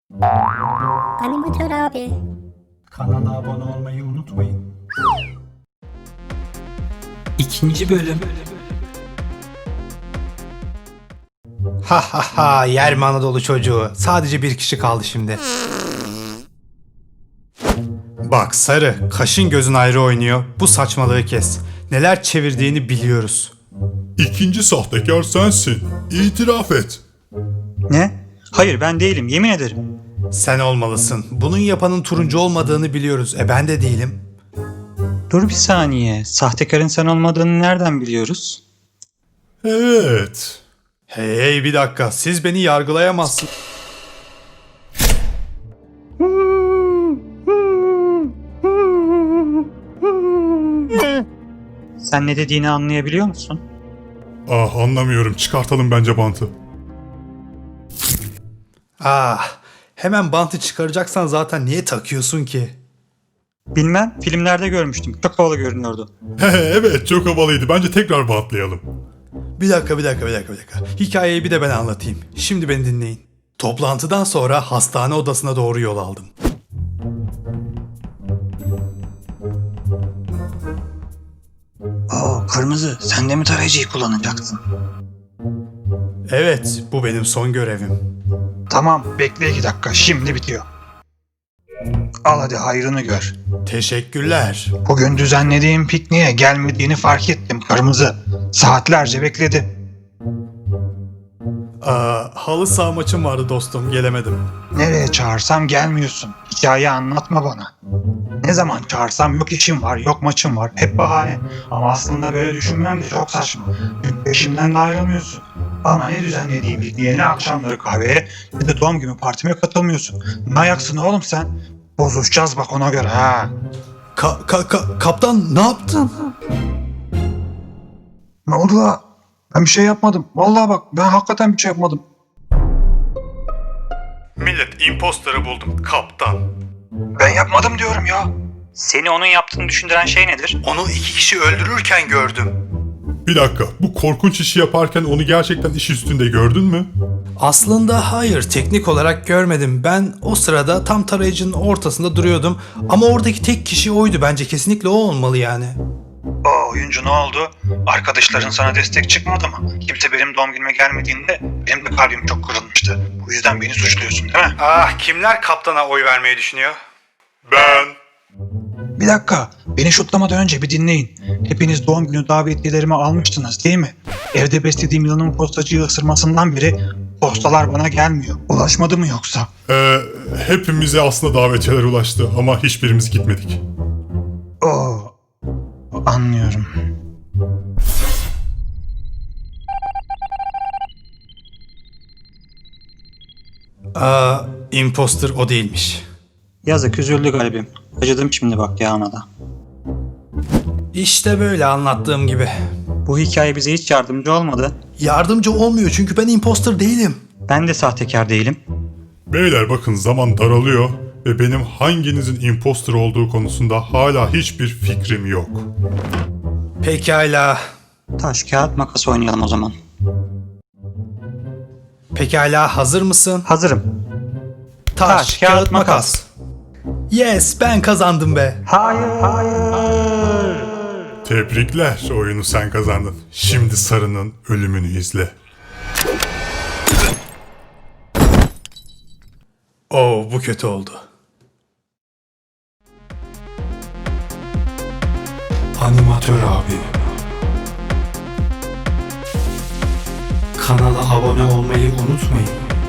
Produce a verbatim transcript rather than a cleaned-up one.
Animatör abi. Kanala abone olmayı unutmayın. İkinci bölüm. Ha ha ha, yer Anadolu çocuğu. Sadece bir kişi kaldı şimdi. Bak Sarı, kaşın gözün ayrı oynuyor. Bu saçmalığı kes. Neler çevirdiğini biliyoruz. İkinci sahtekar sensin. İtiraf et. Ne? Hayır ben değilim yemin ederim. Sen olmalısın. Bunun yapanın turuncu olmadığını biliyoruz. E ben de değilim. Dur bir saniye. Sahtekarın sen olmadığını nereden biliyoruz? Evet. Hey hey, bir dakika. Siz beni yargılayamazsınız. Sen ne dediğini anlayabiliyor musun? Ah anlamıyorum. Çıkartalım bence bantı. Ah, hemen bantı çıkaracaksan zaten niye takıyorsun ki? Bilmem filmlerde görmüştüm. Çok havalı görünüyordu. Evet çok havalıydı. Bence tekrar bantlayalım. Bir dakika, bir dakika, bir dakika, bir dakika. Hikayeyi bir de ben anlatayım. Şimdi beni dinleyin. Toplantıdan sonra hastane odasına doğru yol aldım. Oo kırmızı sen de mi tarayıcıyı kullanacaksın? Evet, bu benim son görevim. Tamam bekle iki dakika şimdi bitiyor. Al hadi hayrını gör. Teşekkürler. Bugün düzenlediğim pikniğe gelmediğini fark ettim kırmızı. Saatlerce bekledim. Aa, halı saha maçım vardı dostum, gelemedim. Nereye çağırsam gelmiyorsun. Hikaye anlatma bana. Ne zaman çağırsam yok işim var, yok maçım var. Hep bahane. Ama aslında böyle düşünmem de çok saçma. Çünkü peşimden de ayrılmıyorsun. Bana ne düzenlediğim pikniğe, ne akşamları kahveye, ne de doğum günü partime katılmıyorsun. Ne ayaksın oğlum sen? Bozuşacağız bak ona göre ha. Ka- ka- ka- kaptan ne yaptın? Ne oldu la? Ben bir şey yapmadım. Vallahi bak ben hakikaten bir şey yapmadım. Millet, imposter'ı buldum, kaptan. Ben yapmadım diyorum ya. Seni onun yaptığını düşündüren şey nedir? Onu iki kişi öldürürken gördüm. Bir dakika. Bu korkunç işi yaparken onu gerçekten iş üstünde gördün mü? Aslında hayır, teknik olarak görmedim. Ben o sırada tam tarayıcının ortasında duruyordum. Ama oradaki tek kişi oydu, bence kesinlikle o olmalı yani. O oyuncu ne oldu? Arkadaşların sana destek çıkmadı mı? Kimse benim doğum günüme gelmediğinde benim de kalbim çok kırılmıştı. Bu yüzden beni suçluyorsun değil mi? Ah, kimler kaptana oy vermeyi düşünüyor? Ben. Bir dakika. Beni şutlamadan önce bir dinleyin. Hepiniz doğum günü davetiyelerimi almıştınız değil mi? Evde beslediğim yılanın postacıyı ısırmasından beri postalar bana gelmiyor. Ulaşmadı mı yoksa? Ee, hepimize aslında davetiyeler ulaştı ama hiçbirimiz gitmedik. Oo. Anlıyorum. Aa, imposter o değilmiş. Yazık üzüldü galibim. Acıdım şimdi bak ya ona da. İşte böyle anlattığım gibi. Bu hikaye bize hiç yardımcı olmadı. Yardımcı olmuyor çünkü ben imposter değilim. Ben de sahtekar değilim. Beyler bakın zaman daralıyor ve benim hanginizin imposter olduğu konusunda hala hiçbir fikrim yok. Pekala. Taş, kağıt, makas oynayalım o zaman. Pekala, hazır mısın? Hazırım. Taş, Taş, kağıt, kağıt, makas. Yes, ben kazandım be. Hayır, hayır. Tebrikler, oyunu sen kazandın. Şimdi Sarı'nın ölümünü izle. Oo, bu kötü oldu. Animatör abi. Kanala abone olmayı unutmayın.